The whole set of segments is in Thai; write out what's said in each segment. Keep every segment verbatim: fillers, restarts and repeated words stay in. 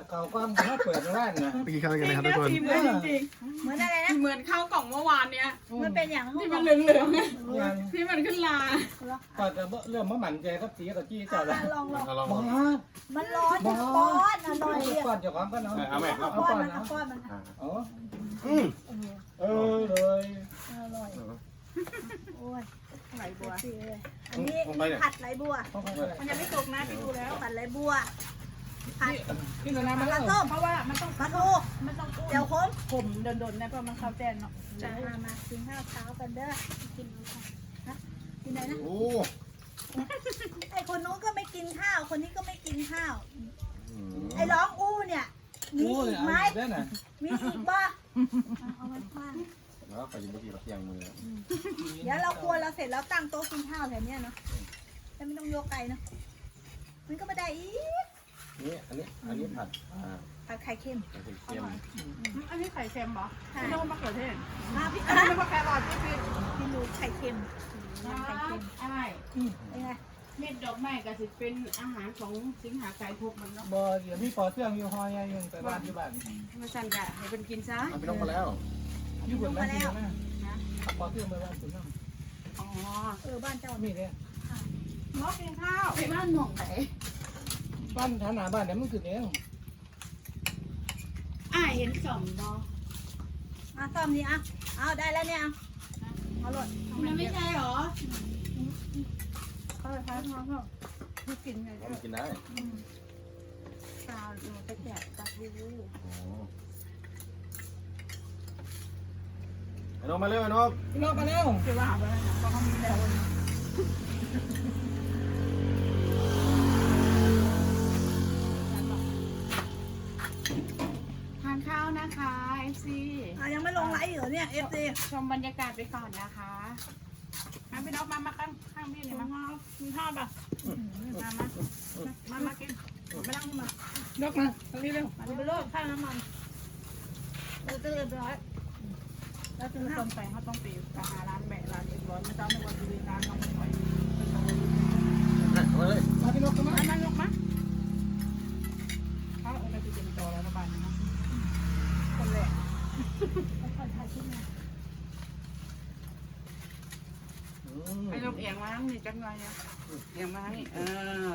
เขาก้อนเขาเปิดร้านนะไปกินข้าวกันนะครับทุกคนเหมือนจริงเหมือนอะไรนะๆเหมือนข้าวกล่องเมื่อวานเนี้ยมันเป็นอย่างที่มันเหลืองงานๆที่มันขึ้นลาก็จะเริ่มมาหมั่นใจกับสีกับจี้เจ้าละลองลองลองบ้ามันร้อนจะป้อนอร่อยเดี๋ยวก่อนเดี๋ยวก่อนก็เนาะเอาไหมเอาป้อนมันเอาป้อนมันอ๋ออืมเออเลยอร่อยโอ้ยไหลบัวอันนี้ผัดไหลบัวมันยังไม่สุกนะพี่ดูแล้วผัดไหลบัวผัดนี่เราน้ำปมาลาแล้วส้มเพราะว่ามันต้องปลาทูมันต้องเดี๋ยวโค้งผมโดนๆนะเพราะมันข้าวแจนเนาะมามากินข้าวเช้ากันเด้อกินนะกินไหนนะโอ้ไอคนนู้นก็ไม่กินข้าว คนนี้ก็ไม่กินข้าว ไอร้องอู้เนี่ยมีโอ้ยอีกเอาไหมได้น่ะมีอีกบ้าเอาไว้บ้างแล้วไปยินเมื่อกี้เราเที่ยงมือเดี๋ยวเราครัวเราเสร็จแล้วตั้งโต๊ะกินข้าวแถวเนี้ยเนาะแต่ไม่ต้องยกไกลเนาะมันก็ไม่ได้อีกนี่อันนี้อันนี้ผัดอ่าผัดไข่เค็มไข่เค็มอันนี้ไข่เค็มเหรอใช่ไม่ต้องมะเขือเทศมาพี่อันนี้มะแครอทพี่พี่พี่ดูไข่เค็มไข่เค็มอะไรเป็นไงเม็ดดอกไม้ก็สิเป็นอาหารของสิงหาไก่พกมันเนาะบ่เดี๋ยวมีปอเสื่องอยู่หอยยังแต่บ้านอยู่บ้านมาสั่นกะให้เป็นกินซะมันไม่ต้องมาแล้วอยู่บนบ้านที่นั่นนะปอเสื่องไปบ้านคุณน้องอ๋อเออบ้านเจ้ามีเนี่ยมอกินข้าวไปบ้านหม่องไหนบ้านฐานหนาบ้านเนี่ยมันคือเองอ่าเห็นสมบออ่ะซ่อมนี่อ่ะเอาได้แล้วเนี่ยเอาหลดมันไม่ใช่หรอเขาเลยพาท้องเขาคือกินไงมันกินได้ตาดูไปแจกตาดูโอ้ไอ้นกมาเร็วไอ้นกพี่น้องมาแล้วคือว่าหาไปแล้วนะเพราะเขามีแล้วทานข้าวนะคะเอฟซีอ่ะยังไม่ลงไลฟ์เหรอเนี่ยเอฟซีชมบรรยากาศไปก่อนนะคะมาพี่นกมามาข้างข้างพี่เลยมามีข้าวป่ะมามามามากินไม่ต้องมายกมาตรงนี้เร็วมาไปโลดข้าวน้ำมันเราจะเรียบร้อยแล้วจะต้มแป้งเขาต้องปีกหาร้านแบะร้านเรียบร้อยไม่ต้องในวันที่ร้านน้องไม่ไหวมาเลยมาพี่นกมามานั่งยกมาเขาเอาไปเป็นจอแล้วระบายนะคนแรกคนถ่ายคลิปมาไอ้ลมเอียงมาทั้งนี้จังเลยเนี่ยเอียงมาทั้งนี้เออ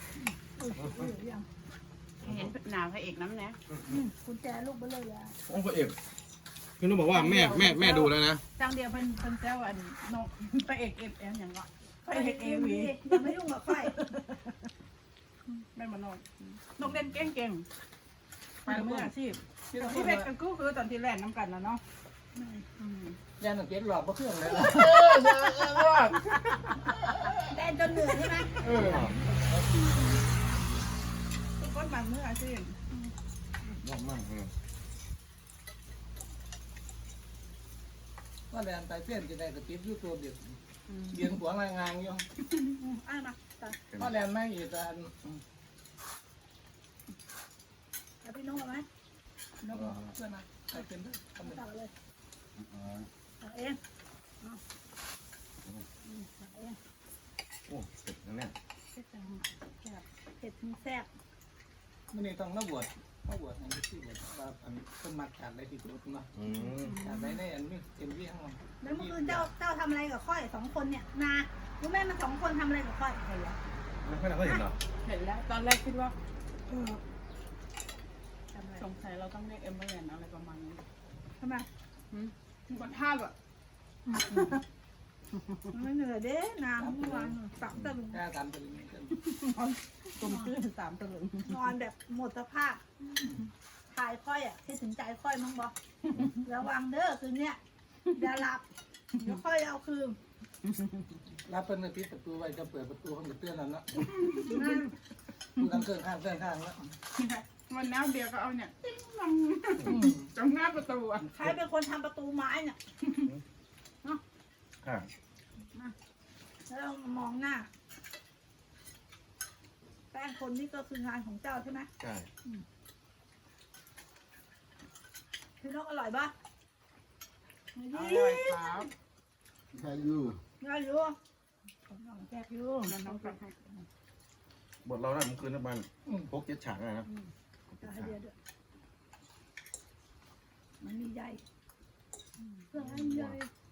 เห็นหนาวพระเอกน้ำเนี่ยกุญแจลูกเบลเลยอ่ะโอ้พระเอกพี่นุ๊กบอกว่าแม่แม่แม่ดูแล้วนะจังเดียวเพิ่นเพิ่นแซวอันนกพระเอกเอฟเอ็มอย่างเงี้ยพระเอกเอวีอย่าไม่ยุ่งกับไฟแม่มานกนกเล่นเก่งเก่งไปเมื่ออาชีพพี่น้องที่เพชรกันกู้คือตอนที่แรกน้ำกันแล้วเนาะยันหนังเก็ตหลอกเพราะเครื่องเลยแดนจนเหนื่อยใช่ไหมเออทุกคนบางเมื่ออาชีพยากมากเลยว่าแดนไตเต้นจะได้กระติ๊บยูทูบเด็กเบียนหัวงานงานอยู่อ่ะมาต่อว่าแดนไม่อีกแต่แล้วพี่น้องเอาไหมนกเพื่อนนะไตเต้นด้วยทำไมต่อเลยอ๋อต่อเองต่อเองโอ้เสร็จแล้วเนี่ยเผ็ดจังแซ่บเผ็ดถึงแซ่บไม่ได้ต้องมาบวชมาบวชอันนี้ที่บวชว่าอันต้นมัดขาดอะไรที่สุดมาอืมขาดอะไรในอันนี้เต็มที่ทั้งหมดแล้วเมื่อคืนเจ้าเจ้าทำอะไรกับค่อยสองคนเนี่ยนารู้ไหมมันสองคนทำอะไรกับค่อยเห็นแล้วไม่ค่อยได้เห็นหรอเห็นแล้วตอนแรกคิดว่าทำอะไรสงสัยเราต้องเรียกเอ็มเบอร์แลนอะไรประมาณนี้ทำไมมันท่าแบบไม่เหนื่อยเด้น้ำเมื่อวานสามตะลุงแค่ตามตัวนี้กันกลมตื้นสามตะลึงนอนแบบหมดสภาพถ่ายค่อยอ่ะคิดถึงใจค่อยมั้งบอกระวังเด้อคืนเนี้ยอย่าหลับเดี๋ยวค่อยเอาคืนรับเป็นปิดประตูไว้จะเปิดประตูห้องจะเตือนแล้วนะนั่นดูกันเครื่องข้างเครื่องข้างแล้ววันน้ำเบียร์ก็เอาเนี่ยติ้งลงตรงหน้าประตูอ่ะใครเป็นคนทำประตูไม้เนี่ยค่ะแล้วเรามองหน้าแป้งคนนี่ก็คืองานของเจ้าใช่ไหมใช่พี่นกอร่อยปะอร่อยครับใช่อยู่อร่อยอยู่น้องแจ๊กอยู่มันต้องฟังให้บทเราเนี่ยเมื่อคืนนั้นมันพกเจ็ดฉากนะจะให้เดียวด้วย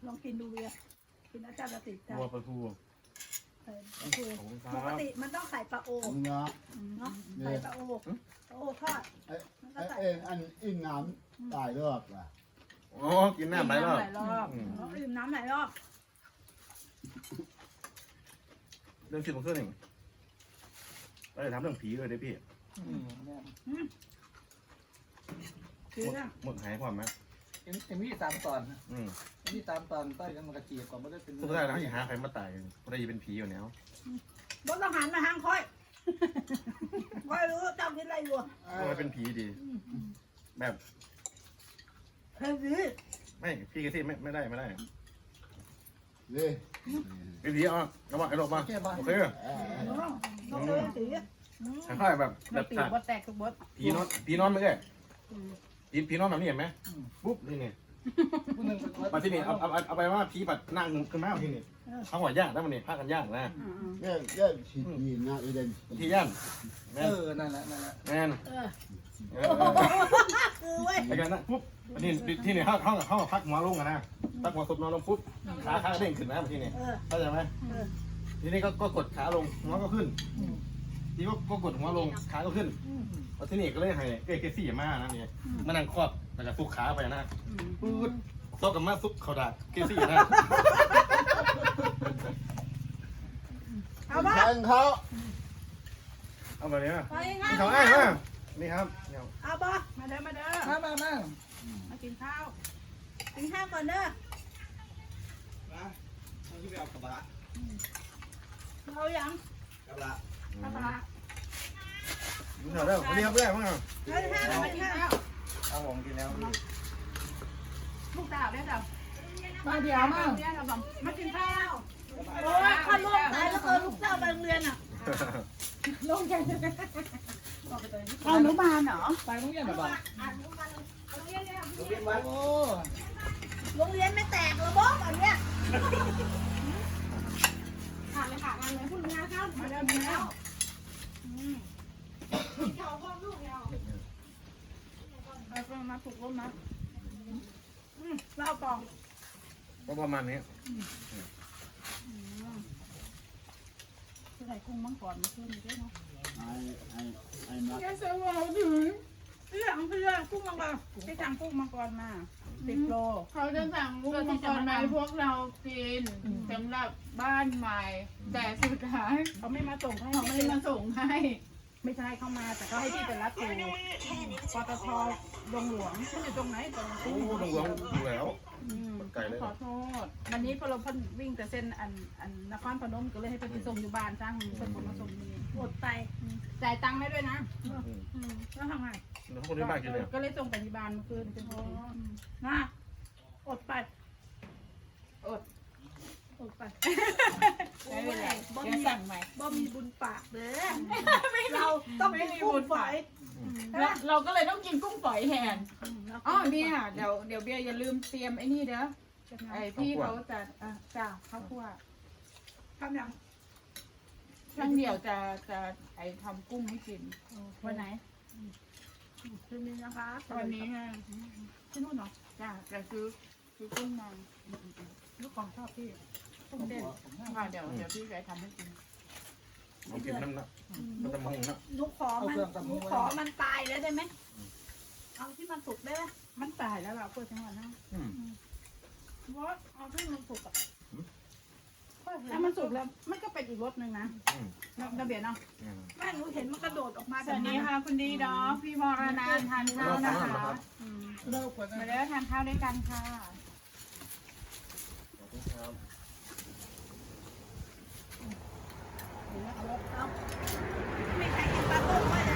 ลองกินดูเบียร์กินแล้วจะติดใจวัวปลาทูเออปลาโอขอบคุณคปรักบติมันต้องใส่ปลาโอมึงเนาะเนาะใส่ปลาโอปลาโอทอดไอ้ไอ้เอ็งอันอินน้ำตายรอบอ่ะอ๋อกินน้ำไหลรอบหลายรอบอืมเขาดื่มน้ำหลายรอบเรื่องคิดของเครื่องหนึ่งเราจะทำเรื่องผีเลยได้พี่อืมเนี่ยคือหมดเรื่องหมดหายความไหมเอ็มเอ็มวีสามตอนนะอืมเอ็มวีสามตอนต้อยกันมันกระจีบก่อนไม่ได้เป็นสุดท้ายแล้วอย่าหาใครมาตายเพราะได้เป็นผีอยู่แล้วบนต้องหันมาทางค่อยค่อยรู้เจ้าคิดอะไรอยู่ก็ให้เป็นผีดี แบบเฮ้ยไม่พี่กระซิบไม่ไม่ได้ไม่ได้เลยเป็นผีอ่ะระวังไอ้หลบมาแค่บ้านโอเคเออต้องเลยสีคล้ายๆแบบแบเราบตีฉากบดแตกทุกบดผีนอนผีนอนไม่ใช่ผีผีนอนแบบนี้เห็นไหมปุ๊บนี่นี่ผู้หนึ่งมาที่นี่เอาเอาเอาไปว่าผีปัดนั่งขึ้นมาที่นี่เขาหัวย่างได้มันนี่พากันย่างนะแย่แย่ฉีดยีนนะอีเดนที่ย่างแมเอน อนั่นแหละนั่นแหละแมนเออเออคือเว้ยไอ้กันนะปุ๊บนี่ที่นี่เขาเขาเขาพักหัวลงกันนะพักหัวสุดนอนลงปุ๊บขาขาเด้งขึ้นนะที่นี่เออเข้าใจไหมเออทีนี้ก็ก็กดขาลงหัวก็ขึ้นทีก็ก็กดหัวลงขาก็ขึ้นพอที่นี่ก็เลยให้เอ้เกซี่มานะนี่มานั่งครอบแล้วก็ซุกขาไปนะปุ๊บโต๊ะกับมาซุกเขาดักเกซี่นะเอาบ้าแทงเขาเอาแบบนี้นะไปงั้นนี่เขาไอ้มานี่ครับเนี่ยเอาบ้ามาเด้อมาเด้อมามามามากินข้าวกินข้าวก่อนเด้อเอาที่ไปเอากระบะเอาอย่างกระบะข้าวปลานี่เขาเริ่มวันนี้ครับเพื่อนมั้งครับเอาข้าวมากิกินนข้าข้าว วเอาผมกินแล้วลูกสาวได้จ้ะมาเดี๋ยวมาเนี่ยเราบอกมากินข้าวโอ้ยข้าลูกตายแล้วเออลูกเจ้าไปโรงเรียนอ่ะลงใจเอาหนูบานเหรอไปโรงเรียนหรือเปล่าอ่านลูกมาโรงเรียนเนี่ยโอ้โรงเรียนไม่แตกระบบอันเนี้ยผ่านเลยค่ะงานเลยพูดงานข้าวมาเดินแล้วเขาพ่อลูกเราเอามาปลุกลมนะเล่าปองก็ประมาณนี้ใส่กุ้งมังกรมาขึ้นด้วยเนาะไอ้ไอ้ไอ้นักแกเสือเราถึงเรื่องเพื่อกุ้งมังกรไปสั่งกุ้งมังกรมาสิบโลเขาจะสั่งมุกมังกรมาให้พวกเรากินสำหรับบ้านใหม่ แต่สุดท้ายเขาไม่มาส่งให้เขาไม่ได้มาส่งให้ไม่ใช่เข้ามาแต่เขาให้พี่ไปรับอยู่ปตทดงหลวงเขาอยู่ตรงไหนตรงโอ้ตรงหลวงดูแล้วอืมไกลเลยขอโทษวันนี้พอเราเพิ่นวิ่งแต่เส้นอันอันนครพนมก็เลยให้เพิ่นไปส่งอยู่บ้านจ้างเพิ่นมาส่งนี่อดไปจ่ายตังค์ให้ด้วยนะอืมแล้วทำไงแล้วคนที่บ้านกินเนี่ยก็เลยส่งไปที่บ้านเมื่อคืนเป็นโทษมาอดไปอดอดไปไม่เป็นไรบ่เดี๋ยวมีสั่งใหม่บ่มีบุญปากเด้อเราต้องกินกุ้งฝอยเราเราก็เลยต้องกินกุ้งฝอยแทนอ๋อ๋ออเนี่ยเดี๋ยวเดี๋ยวเบียร์อย่าลืมเตรียมไอ้นี่เด้อไอ้พี่เขาจะอ่ะจ้าข้าวคั่วทำยังช่างเดี่ยวจะจะไอ้ทำกุ้งให้กินวันไหนคืนนี้นะคะวันนี้ฮะที่นู่นเหรอจ้าจะซื้อซื้อกุ้งมาลูกของชอบพี่ตุ้มเด่นค่ะเดี๋ยวเดี๋ยวพี่จะทำให้กินผมกินน้ำนะมันจะมองนะหนุขอมันหนุขอมันตายแล้วได้ไหมเอาที่มันสุกได้ไหมมันตายแล้วเราเปิดจังหวะนะอืมเพราะเอาที่มันสุกอ่ะถ้ามันสุกแล้วมันก็เป็นอีกรสหนึ่งนะอืมระเบียดเนาะอืมแม่หนูเห็นมันกระโดดออกมาสวัสดีค่ะคุณดีดอกพี่วรนันท์ทานข้าวนะคะเลิกกว่ามานั้นเด้อทานข้าวด้วยกันค่ะขอบคุณครับเอาไม่ใครกินปลาต้มไว้เลย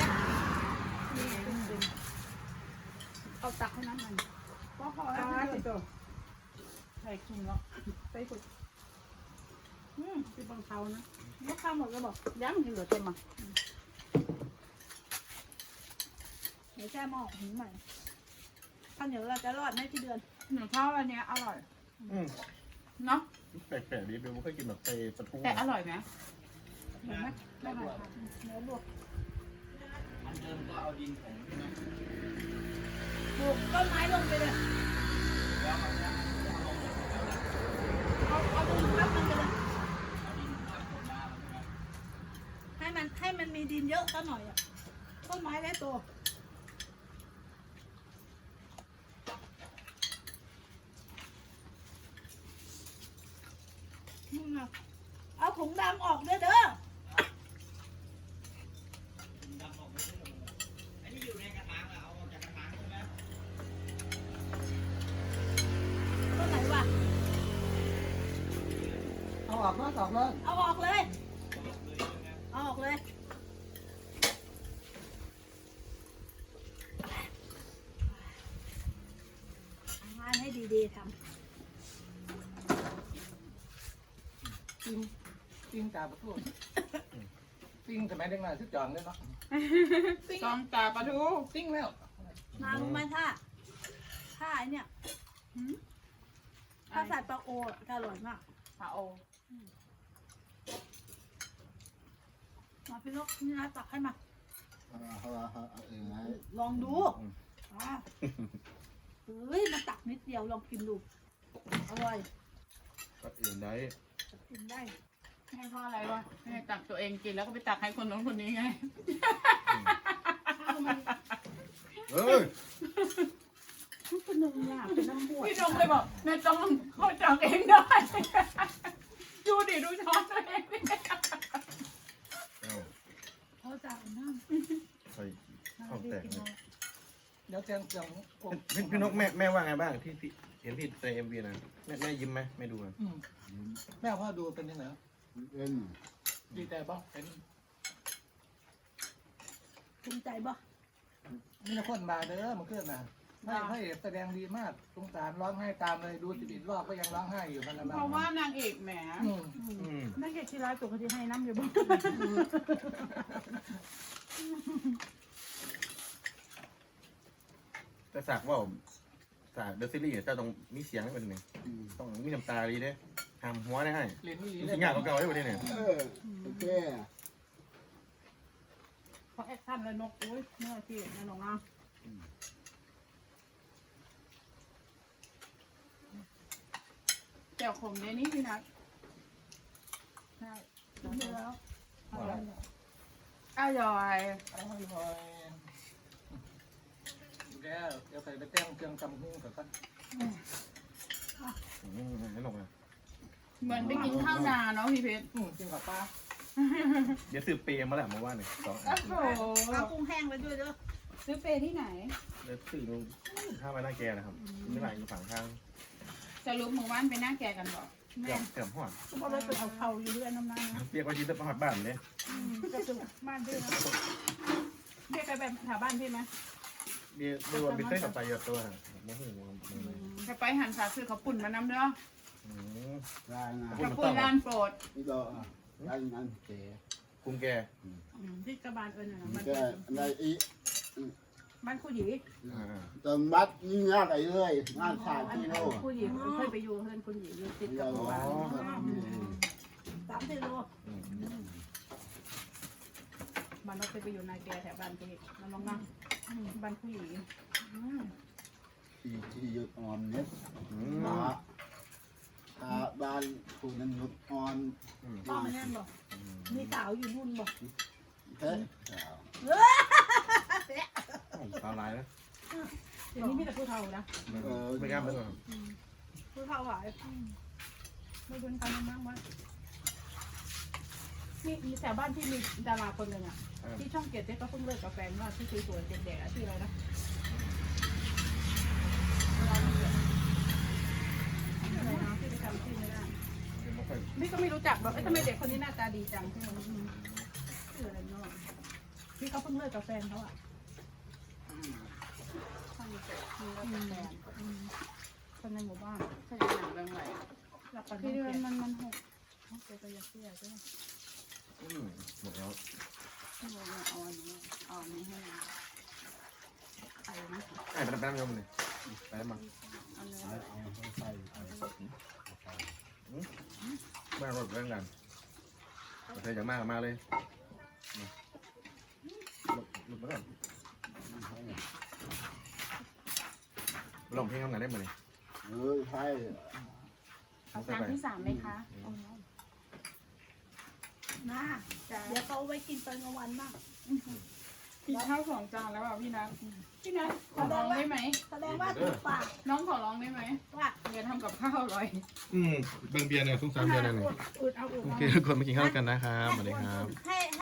เอาตักให้น้ำมันพอพออ่าแล้วสิโตใส่ขิงเนาะไปฝึกอืมเป็นบางเขานะลูกข้าวหมดแล้วบอกยังที่เหลือเต็มอ่ะเดี๋ยวแช่หม้อหุงใหม่ข้าวเหนียวเราจะรอดไหมที่เดือนหนูชอบอันเนี้ยอร่อยอืมเนาะแปลกๆดีเบลไม่เคยกินแบบเตะปลาทูแต่อร่อยไหมเห็นไหมไม่ไหวค่ะเนื้อบวกอันเดิมก็เอาดินของปลูกต้นไม้ลงไปเลยแล้วมันจะเอาลงเยอะก็หน่อยอ่ะต้นไม้ได้โตอืมอะเอาถุงดำออกเด้อเด้อต้นไหนวะเอาออกมาออกเลยเอาออกเลย เอาออกเลยทำงานให้ดีๆทปิ้งปิ้งตาประตูปิ้งสมัยเด็กน้อยที่จองเลยเนาะซองตาปลาทูปิ้งแล้วำนารู้ไหมถ้าถ้าไอเนี่ยหืมถ้าใส่ปลาโอจะอร่อยมากปลาโอมาพี่นกนี่นะตักให้มาเอาเอาเอาเอาเองนะลองดูอ่าเฮ้ยมันตักนิดเดียวลองกินดู อร่อยก็อื่นได้กินได้ให้พ่ออะไรวะให้ตักตัวเองกินแล้วก็ไปตักให้คนนู้นคนนี้ไงข้าวมันเอ้ยมันเป็นเนื้อเป็นน้ำบวชพี่จงเลยบอกแม่จงเขาตักเองได้ดูดิดูช้อนตัวเองดิเอ้าเขาจะเอาน้ใส่ำข้าวแตกเลยเดี๋ยวเจียงเจียงผมพี่พี่นกแม่แม่ว่าไงบ้างที่พี่เห็นพี่ในเอ็มวีนะแม่แม่ยิ้มไหมแม่ดูนะอืมแม่พ่อดูเป็นยังไงเป็นดีใจบ้างเป็นภูมิใจบ่มีคนมาเด้อมันขึ้นนะให้ให้แสดงดีมากสงสารร้องไห้ตามเลยดูสิบเอ็ดรอบก็ยังร้องไห้อยู่มันนะเพราะว่านางเอกแหมอืมอืมนั่นแค่ที่ร้านตัวเขาที่ให้น้ำอยู่บ่แต่สากว่าสากเดอะซีรีส์เนี่ยเจ้าต้องมีเสียงให้เป็นหนึ่งต้องมีน้ำตาดีเด้ทำหัวได้ให้เรียนนี่มีเลสิ่งอย่างเก่าๆได้หมดเลยเนี่ยเออโอเคเขาแอคชั่นเลยนกอุ้ยเมื่อที่แม่น้องอ่ะแจ่วขมเนี่ยนี่พี่นัทใช่กินไปแล้วอร่อยอร่อยอร่อยแล้วเดี๋ยวใส่ไปแต้งเครื่องจำหุ้งก่อนกันอืมไม่หลงเลยเหมือนไปกินข้าวนาเนาะพี่เพชรอืมกินกับปลาเดี๋ยวซื้อเปรย์มาแหละมาว่าเนี่ยสองอันโอ้โหเอากุ้งแห้งไปด้วยเด้อซื้อเปรย์ที่ไหนเดี๋ยวซื้อลงข้าวไปหน้าแกนะครับไม่ไหลอยู่ฝั่งข้างสรุปมือว่านไปหน้าแกกันบอกเกือบเกือบหอดเพราะว่าไปเอาเข่าอยู่ด้วยน้ำน้ำนะเรียกว่ายืนแต่ประหัดบ้านเลยก็คือบ้านพี่นะเรียกไปแบบแถวบ้านพี่ไหมเดี๋ยวเดี๋ยววันไปเต้นกับไปเยอะตัวนะไม่หูมันจะไปหันขาซื้อข้าวปุ่นมานำเด้ออืมรายงานข้าวปุ่นร้านโปรดนี่ก็รายงานเก๋กุ้งแกที่กระบาลเอิญนะมันบ้านก็อะไรอีกบ้านคู่หยีอ่าเติมบัตรยิ่งยากไอ้เลยงานขาดอันที่นี้โลคู่หยีเคยไปอยู่เพื่อนคู่หยีอยู่ติดเดีกัยบวหมู่บ้านสามสิบโลอืมบ้านเราเคยไปอยู่นายแกแถวบ้านพี่น้องน้องบ้านคู่หยีที่ที่หยุดอ่อนเนี่ยอืมตาตาบ้านคุณนั้นหยุดอ่อนอืมพ่อมันแน่นบ่มีสาวอยู่นู่นบ่เฮ้ยสาวลายนะเดี๋ยวนี้มีแต่ผู้เฒ่านะไม่กล้าไปหรอกคือเขาหวายไม่โดนกันมากว่ามีมีแถวบ้านที่มีดาราคนหนึ่งอ่ะที่ช่องเจ็ดเนี่ยก็เพิ่งเลิกกับแฟนว่าที่สวยๆเด็กๆที่อะไรนะอะไรนะที่ไปทำที่ไม่ได้ไม่ค่อยนี่ก็ไม่รู้จักแบบทำไมเด็กคนนี้หน้าตาดีจังที่มันชื่ออะไรเนาะที่เขาเพิ่งเลิกกับแฟนเขาอ่ะช่างเจ็ดมีเลิกกับแฟนคนในหมู่บ้านใช่ไหมหนังเรื่องอะไรหลับกันที่เดือนมันมันหกเจอกันยาเสียใช่ไหมอืมหมดแล้วที่เราเอาอันนี้เอาอันนี้ให้เราไปนะไอ้ไปแป๊บนึงเลยไปมาเอาเนื้อเอาเอาใส่ใส่บ้านรถเรื่องกันเธออยากมากมาเลยหลุดมาก่อนลองเพลงทำงานได้ไหมเนี่ยเออใช่เอาจานที่สามไหมคะนะเดี๋ยวเขาไว้กินตอนกลางวันบ้างอกินข้าวสองจานแล้วอ่ะพี่นัทพี่นัทขอร้องได้ไหมแสดงว่าถูกปากน้องขอร้องได้ไหมว่าอย่าทำกับข้าวอร่อยอืมเบิ่งเบียร์เนี่ยสงสารเบียร์เนี่ยอุดเอาอุดโอเคทุกคนมากินข้าวกันนะครับสวัสดีครับให้